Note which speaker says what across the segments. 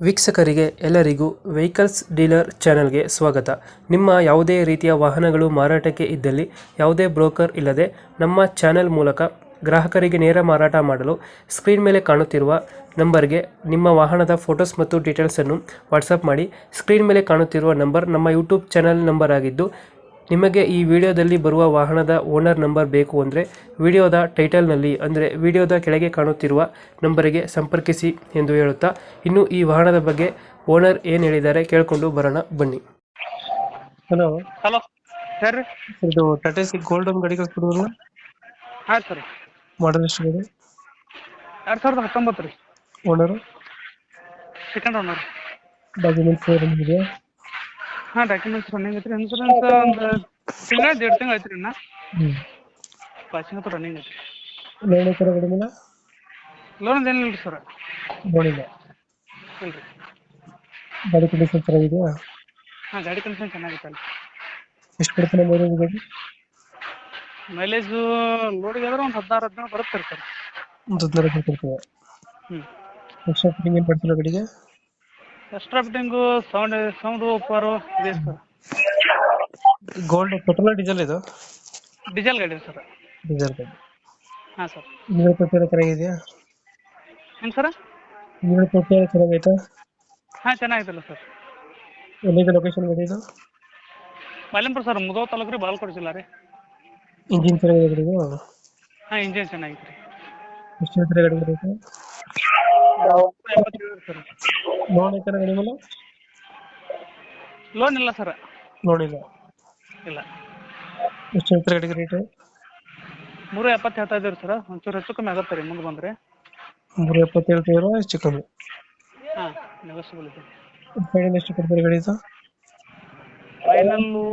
Speaker 1: ವೀಕ್ಷಕರಿಗೆ ಎಲ್ಲರಿಗೂ vehicles dealer ಚಾನೆಲ್ಗೆ ಸ್ವಾಗತ. ನಿಮ್ಮ ಯಾವುದೇ ರೀತಿಯ ವಾಹನಗಳು ಮಾರಾಟಕ್ಕೆ ಇದ್ದಲ್ಲಿ ಯಾವುದೇ ಬ್ರೋಕರ್ ಇಲ್ಲದೆ ನಮ್ಮ ಚಾನೆಲ್ ಮೂಲಕ ಗ್ರಾಹಕರಿಗೆ ನೇರ ಮಾರಾಟ ಮಾಡಲು ಸ್ಕ್ರೀನ್ ಮೇಲೆ ಕಾಣುತ್ತಿರುವ ನಂಬರ್ಗೆ ನಿಮ್ಮ ವಾಹನದ ಫೋಟೋಸ್ ಮತ್ತು ಡೀಟೇಲ್ಸನ್ನು ವಾಟ್ಸಪ್ ಮಾಡಿ. ಸ್ಕ್ರೀನ್ ಮೇಲೆ ಕಾಣುತ್ತಿರುವ ನಂಬರ್ ನಮ್ಮ ಯೂಟ್ಯೂಬ್ ಚಾನೆಲ್ ನಂಬರ್ ಆಗಿದ್ದು, ನಿಮಗೆ ಈ ವಿಡಿಯೋದಲ್ಲಿ ಬರುವ ವಾಹನದ ಓನರ್ ನಂಬರ್ ಬೇಕು ಅಂದರೆ ವಿಡಿಯೋದ ಟೈಟಲ್ನಲ್ಲಿ ಅಂದರೆ ವಿಡಿಯೋದ ಕೆಳಗೆ ಕಾಣುತ್ತಿರುವ ನಂಬರಿಗೆ ಸಂಪರ್ಕಿಸಿ ಎಂದು ಹೇಳುತ್ತಾ, ಇನ್ನು ಈ ವಾಹನದ ಬಗ್ಗೆ ಓನರ್ ಏನು ಹೇಳಿದ್ದಾರೆ ಕೇಳಿಕೊಂಡು ಬರೋಣ ಬನ್ನಿ. ಹಲೋ
Speaker 2: ಹಲೋ ಸರ್ ರೀ.
Speaker 1: ಇದು ಟಾಟಾ ಸಿ ಗೋಲ್ಡನ್ ಗಾಡಿ ಕಳ್ಸ್ಕೊಡೋದು,
Speaker 2: ಹಾಂ ಸರ್.
Speaker 1: ಮಾಡಲ್ ಎಷ್ಟು ಗಾಡಿ?
Speaker 2: 2019 ರೀ.
Speaker 1: Owner
Speaker 2: second owner.
Speaker 1: ಡಾಕ್ಯುಮೆಂಟ್ಸ್ ಇದೆ?
Speaker 2: ಹಾಂ, ಡಾಕ್ಯುಮೆಂಟ್ಸ್ ರನ್ನಿಂಗ್ ಐತ್ರಿ. ಇನ್ಸೂರೆನ್ಸ್ ಒಂದು ತಿಂಗಳ 1.5 ತಿಂಗಳು ಐತ್ರಿ. ಇನ್ನು ಪಾಸಿಂಗ್ ಅಂತೂ ರನ್ನಿಂಗ್ ಐತ್ರಿ.
Speaker 1: ಲೋನ್ ಐತರ ಗಾಡಿ ಮೇಲೆ?
Speaker 2: ಲೋನ್ ಏನಿಲ್ಲ ರೀ ಸರ್.
Speaker 1: ಲೋನ್ ಇಲ್ಲ.
Speaker 2: ಇಲ್ಲ ರೀ.
Speaker 1: ಗಾಡಿ ಕಂಡೀಷನ್ ಚೆನ್ನಾಗಿದೆಯಾ?
Speaker 2: ಹಾಂ, ಗಾಡಿ ಕಂಡೀಷನ್ ಚೆನ್ನಾಗೈತೆ ಅಲ್ಲಿ.
Speaker 1: ಎಷ್ಟು ಕೊಡ್ತಾನೆ ಮೈಲೇಜ್ ಗಾಡಿ?
Speaker 2: ಮೈಲೇಜು ಲೋಡಿಗೆ ಆದ್ರೆ ಒಂದು 16-17 ಬರುತ್ತೆ ರೀ ಸರ್.
Speaker 1: ಒಂದು 15 ಕೊಡ್ತದೆ.
Speaker 2: ಹ್ಞೂ.
Speaker 1: ಎಕ್ಸ್ಟ್ರಾ ಫಿಟ್ಟಿಂಗ್ ಏನು ಮಾಡ್ತಿಲ್ಲ ಗಾಡಿಗೆ?
Speaker 2: ಎಕ್ಸ್ಟ್ರಾ ಫಿಟ್ಟಿಂಗು ಸೌಂಡ್ ಓಪರು ಇದೆ ಸರ್.
Speaker 1: ಗೋಲ್ಡ್ ಪೆಟ್ರೋಲ್ ಡೀಸೆಲ್ ಇದು?
Speaker 2: ಡೀಸೆಲ್ ಗಾಡಿ ಸರ್.
Speaker 1: ಡೀಸೆಲ್ ಗಾಡಿ.
Speaker 2: ಹಾಂ ಸರ್.
Speaker 1: ಇಂಜಿನ್ ಪೆಟ್ರೋಲ್ ಚೆನ್ನಾಗಿದೆಯಾ?
Speaker 2: ಹೆಂಗೆ ಸರ್?
Speaker 1: Engine petrol ಚೆನ್ನಾಗೈತಾ?
Speaker 2: ಹಾಂ, ಚೆನ್ನಾಗೈತಲ್ಲ ಸರ್.
Speaker 1: ಎಲ್ಲಿದೆ ಲೊಕೇಶನ್ ಗಾಡಿ ಇದು?
Speaker 2: ಮಾಲಿಂಪುರ ಸರ್, ಮುಧೋಳ ತಾಲೂಕು ರೀ, ಬಾಗಲಕೋಟೆ ಜಿಲ್ಲಾ ರೀ.
Speaker 1: ಇಂಜಿನ್ ಚೆನ್ನಾಗಿದೆ ಗಾಡಿದು?
Speaker 2: ಹಾಂ, ಇಂಜಿನ್ ಚೆನ್ನಾಗೈತೆ ರೀ.
Speaker 1: ಎಷ್ಟು ಹೇಳ್ತಾರೆ ಗಾಡಿ ರೇಟು?
Speaker 2: 57 ಸರ್.
Speaker 1: ಲೋನ್ ಐತಾನ ಗಾಡಿ ಮೇಲೆ?
Speaker 2: ಲೋನ್ ಇಲ್ಲ ಸರ್.
Speaker 1: ಲೋನ್ ಇಲ್ಲ.
Speaker 2: ಇಲ್ಲ.
Speaker 1: ಎಷ್ಟು ಹೇಳ್ತಾರೆ ಗಾಡಿಗೆ ರೇಟು?
Speaker 2: 370 ಹೇಳ್ತಾ ಇದ್ದೀವಿ ಸರ್. ಒಂಚೂರು ಹೆಚ್ಚು ಕಮ್ಮಿ ಆಗುತ್ತೆ ರೀ ಮುಂದೆ ಬಂದರೆ.
Speaker 1: 370 ಹೇಳ್ತೀರಾ? ಹೆಚ್ಚು ಕಮ್ಮಿ?
Speaker 2: ಹಾಂ, ನೆಗೋಷಿಯಬಲ್ ಇದೆ.
Speaker 1: ಫೈನಲ್ ಎಷ್ಟು ಕೊಡ್ತಾರೆ ಗಾಡಿ ಇದು?
Speaker 2: ಫೈನಲ್ಲು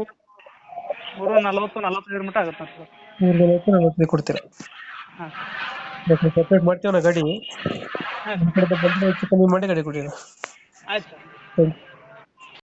Speaker 2: 340-45 ಮಟ್ಟ ಆಗುತ್ತೆ ಸರ್.
Speaker 1: 340 ಕೊಡ್ತೀರಾ?
Speaker 2: ಹಾಂ
Speaker 1: ಸಪ್ರೇಟ್ ಮಾಡ್ತೀವಣ್ಣ ಗಾಡಿ.
Speaker 2: ಹಾಂ
Speaker 1: ನಮ್ಮ ಕಡೆ ಬಂದರೆ ಹೆಚ್ಚು ಕಮ್ಮಿ ಮಾಡಿ ಗಾಡಿ ಕೊಡಿ.
Speaker 2: ಆಯ್ತು ಸರ್.
Speaker 1: Thank you.